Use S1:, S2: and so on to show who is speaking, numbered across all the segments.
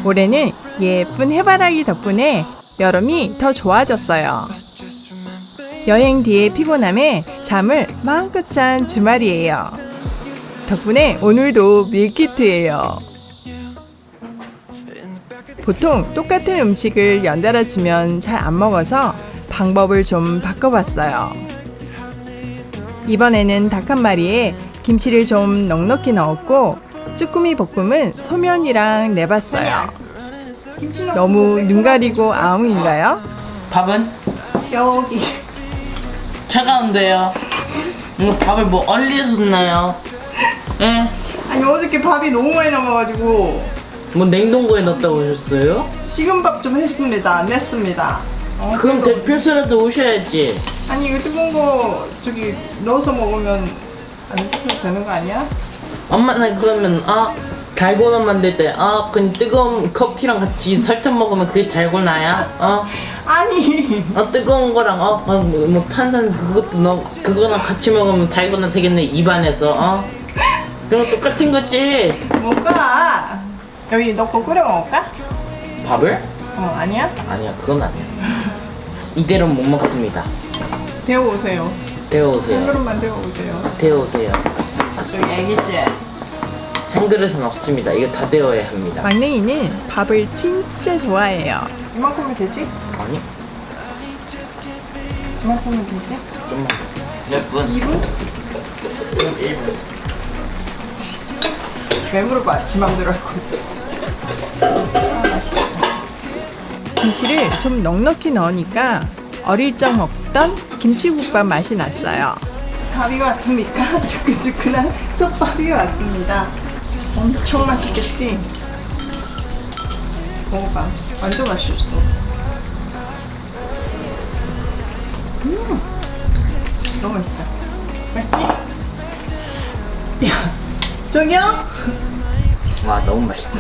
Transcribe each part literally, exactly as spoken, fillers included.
S1: 올해는 예쁜 해바라기 덕분에 여름이 더 좋아졌어요. 여행 뒤의 피곤함에 잠을 마음껏 잔 주말이에요. 덕분에 오늘도 밀키트예요. 보통 똑같은 음식을 연달아 주면 잘 안 먹어서 방법을 좀 바꿔봤어요. 이번에는 닭 한 마리에 김치를 좀 넉넉히 넣었고 쭈꾸미 볶음은 소면이랑 내봤어요. 너무 눈 가리고 아웅인가요?
S2: 밥은?
S1: 여기.
S2: 차가운데요. 이거 밥을 뭐 얼리셨나요? 예?
S1: 아니 어저께 밥이 너무 많이 남아가지고
S2: 뭐 냉동고에 넣었다고 하셨어요?
S1: 식은 밥 좀 했습니다. 냈습니다. 어,
S2: 그럼
S1: 그리고-
S2: 대표소라도 오셔야지.
S1: 아니 이거 뜨거운 거 저기 넣어서 먹으면 안 뜨거워도 되는 거 아니야?
S2: 엄마는 그러면 아 달고나 만들 때 아 그냥 뜨거운 커피랑 같이 설탕 먹으면 그게 달고나야? 어?
S1: 아니
S2: 어 뜨거운 거랑 어, 어, 뭐, 뭐 탄산 그것도 넣 그거랑 같이 먹으면 달고나 되겠네 입안에서 어? 그럼 똑같은 거지.
S1: 뭐가 여기 넣고 끓여 먹을까?
S2: 밥을?
S1: 어 아니야?
S2: 아니야 그건 아니야. 이대로 못 먹습니다.
S1: 데워오세요. 한
S2: 데워오세요.
S1: 그릇만 데워오세요.
S2: 데워오세요.
S1: 저기 애기씨.
S2: 한 그릇은 없습니다. 이거 다 데워야 합니다.
S1: 막냉이는 밥을 진짜 좋아해요. 이만큼면 되지?
S2: 아니
S1: 이만큼면 되지?
S2: 좀만 몇 분?
S1: 이 분?
S2: 일 분.
S1: 왜 물어봐? 지 맘대로 할 건데. 아, 맛있겠다. 김치를 좀 넉넉히 넣으니까 어릴 적 먹던 김치국밥 맛이 났어요. 밥이 왔습니까? 뜨끈뜨끈한 솥밥이 왔습니다. 엄청 맛있겠지? 먹어봐. 완전 맛있어. 음, 너무 맛있다. 맛있지? 야, 저기요?
S2: 와 너무 맛있다.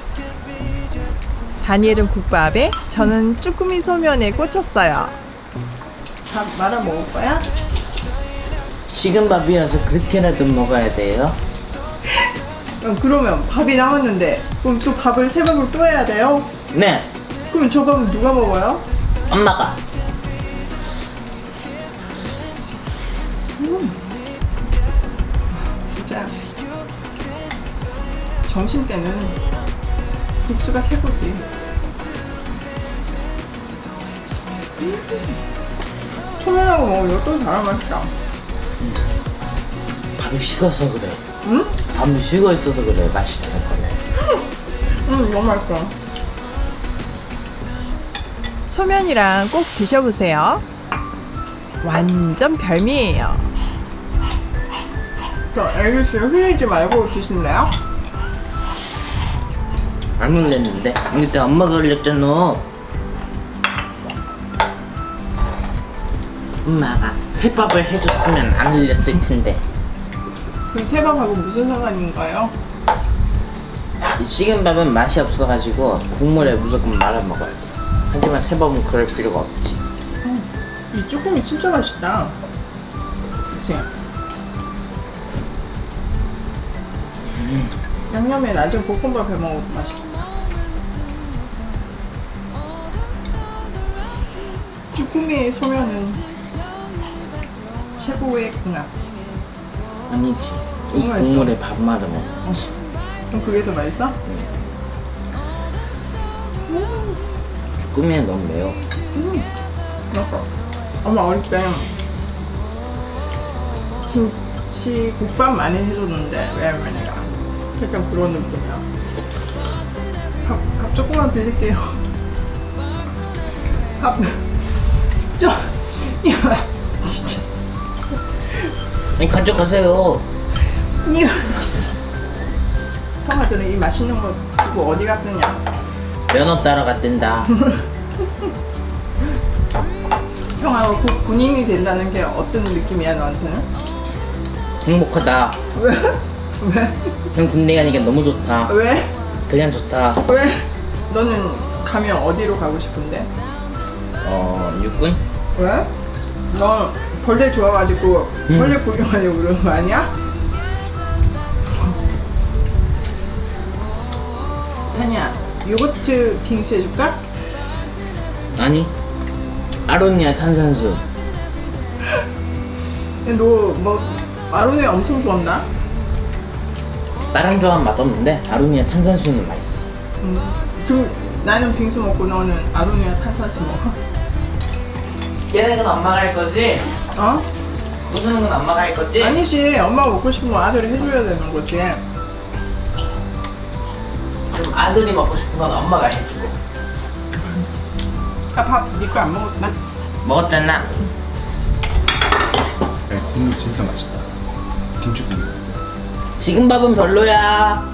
S1: 다니엘은 국밥에 저는 쭈꾸미 소면에 꽂혔어요. 밥 말아 먹을 거야?
S2: 식은 밥이어서 그렇게라도 먹어야 돼요.
S1: 어, 그러면 밥이 남았는데 그럼 또 밥을 세 밥을 또 해야 돼요?
S2: 네
S1: 그럼 저 밥은 누가 먹어요?
S2: 엄마가.
S1: 진짜 점심 때는 국수가 최고지. 음. 소면하고 먹으면 또 다른 맛이다.
S2: 밥이 식어서 그래.
S1: 응?
S2: 밥이 식어 있어서 그래. 맛이 다를 거네.
S1: 응, 너무 맛있어. 소면이랑 꼭 드셔보세요. 완전 별미예요. 저 애기씨 흘리지 말고 드실래요?
S2: 안 놀랬는데. 근데 엄마가 흘렸잖아. 엄마가 새밥을 해줬으면 안 흘렸을 텐데.
S1: 그 새밥하고 무슨 상관인가요?
S2: 이 식은 밥은 맛이 없어가지고 국물에 무조건 말아 먹어야 돼. 하지만 새밥은 그럴 필요가 없지.
S1: 이 쭈꾸미 진짜 맛있다. 그치?
S2: 음.
S1: 양념에 나중에 볶음밥 해 먹어도 맛있겠다. 쭈꾸미의 소면은 최고의 궁합.
S2: 아니지. 이
S1: 너무 맛있어.
S2: 국물에 밥 말아 먹어.
S1: 어. 그럼 그게 더 맛있어?
S2: 쭈꾸미는 너무 매워.
S1: 음, 맛있어. 엄마 어릴 때 김치 국밥 많이 해줬는데 외할머니가 약간 그런 느낌이야. 밥, 밥 조금만 빌릴게요. 밥 좀, 이거 진짜
S2: 아니 가져가세요.
S1: 이거 진짜 형아들은 이 맛있는 거 두고 어디 갔느냐.
S2: 면허 따라갔댄다.
S1: 형아 곧 군인이 된다는 게 어떤 느낌이야 너한테는?
S2: 행복하다.
S1: 왜? 왜?
S2: 형 군대 가니까 너무 좋다.
S1: 왜?
S2: 그냥 좋다.
S1: 왜? 너는 가면 어디로 가고 싶은데?
S2: 어 육군?
S1: 왜? 너 벌레 좋아가지고
S2: 음.
S1: 벌레 구경하려고 그러는 거 아니야? 탄이야, 요거트 빙수 해줄까?
S2: 아니 아로니아 탄산수.
S1: 너뭐 아로니아 엄청 좋아한다?
S2: 다른 조합 맛없는데 아로니아 탄산수는 맛있어.
S1: 음. 그럼 나는 빙수 먹고 너는 아로니아 탄산수 먹어?
S2: 얘네는 엄마가 할 거지?
S1: 어?
S2: 웃는 건 엄마가 할 거지?
S1: 아니지, 엄마가 먹고 싶은 거 아들이 해줘야 되는 거지.
S2: 그럼 아들이 먹고 싶은 건 엄마가 해주고.
S1: 아, 밥 네 거 안 먹었나?
S2: 먹었잖아.
S3: 네, 국물 진짜 맛있다. 김치 국물.
S2: 지금 밥은 별로야.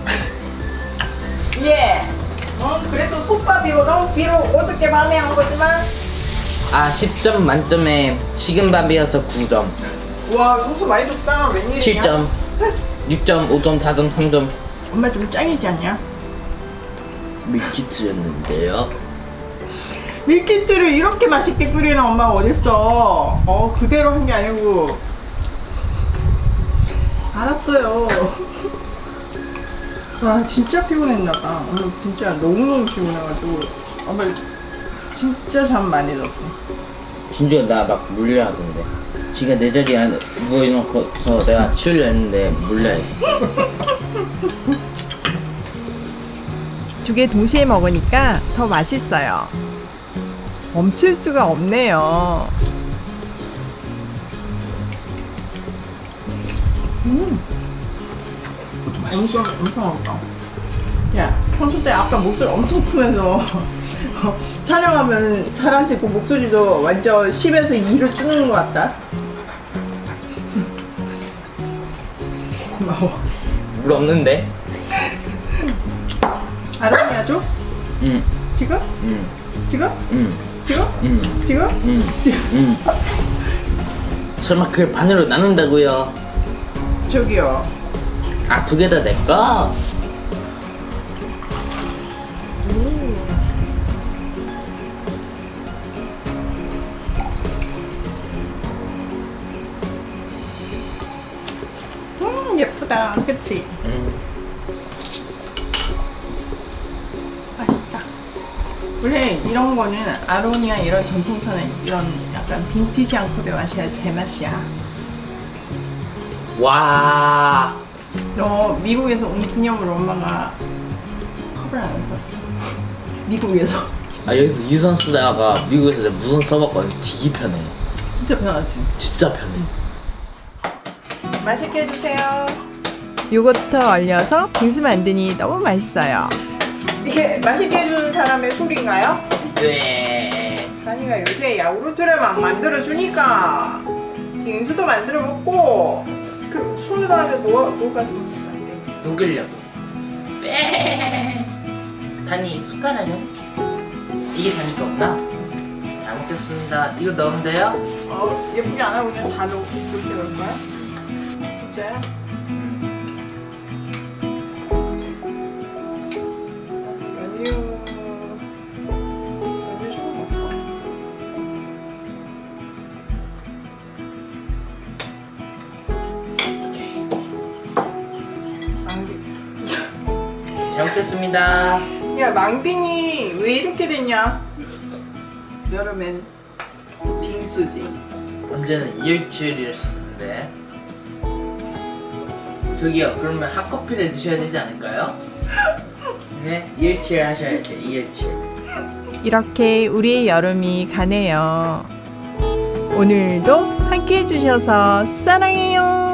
S1: 예. 어, 그래도 솥밥이고 너무 비록 어저께 밤에 한 거지만.
S2: 아 십 점 만점에 지금 밥이어서 구 점.
S1: 와, 점수 많이 줬다. 웬일이냐?
S2: 칠 점, 육 점, 오 점, 사 점, 삼 점.
S1: 엄마 좀 짱이지 않냐?
S2: 밀키트였는데요.
S1: 밀키트를 이렇게 맛있게 끓이는 엄마가 어딨어. 어, 그대로 한 게 아니고. 알았어요. 와, 진짜 피곤했나봐. 오늘 진짜 너무너무 피곤해가지고. 엄마 진짜 잠 많이 잤어.
S2: 진주가 나 막 물려 하던데. 지가 내 자리에 안 누워놓고서 내가 치우려 했는데 물려.
S1: 두 개 동시에 먹으니까 더 맛있어요. 멈출 수가 없네요. 음,
S3: 그것도 맛있어.
S1: 엄청 엄청 맛있다. 야, 평소 때 아까 목소리 엄청 크면서 어, 촬영하면 사라지고 목소리도 완전 십에서 이로 줄는 것 같다. 고마워.
S2: 물 없는데?
S1: 아로니아 줘?
S2: 응,
S1: 지금?
S2: 응,
S1: 지금?
S2: 응,
S1: 지금?
S2: 응,
S1: 지금?
S2: 응,
S1: 지금?
S2: 응. 설마 그걸 반으로 나눈다고요?
S1: 저기요.
S2: 아, 두 개 다 내 거?
S1: 음, 예쁘다. 그치?
S2: 응.
S1: 맛있다. 원래 이런 거는 아로니아 이런 전통차는 이런 약간 빈티지한 컵의 맛이야. 제 맛이야.
S2: 와,
S1: 너 미국에서 온 기념으로 엄마가 컵을 안 샀어. 미국에서.
S2: 아 여기서 유선 쓰다가 미국에서 내가 무선 써봤거든. 되게 편해.
S1: 진짜 편하지?
S2: 진짜 편해.
S1: 맛있게 해주세요. 요거트 얼려서 빙수 만드니 너무 맛있어요. 이게 맛있게 해주는 사람의 소리인가요?
S2: 네.
S1: 아니가 요새 야구르트를 막 만들어주니까 빙수도 만들어 먹고 그 손으로 하면 녹아, 녹아서 먹으면 안 돼.
S2: 녹이려고. 빼. 단이 숟가락은? 이게 단이 거구나. 잘 먹겠습니다. 이거 넣으면 돼요?
S1: 어, 예쁘게 안 하고 그냥 다 넣고 그렇게 넣을 거야? 진짜야? 연유 연유 좀 먹고 망빙.
S2: 잘 먹겠습니다.
S1: 야, 망빙이 왜 이렇게 됐냐? 여름엔 빙수지.
S2: 언제는 이열치열이를 쓰는데. 저기요, 그러면 핫커피를 드셔야 되지 않을까요? 네, 이열치열 하셔야죠. 이열치열.
S1: 이렇게 우리의 여름이 가네요. 오늘도 함께 해주셔서 사랑해요.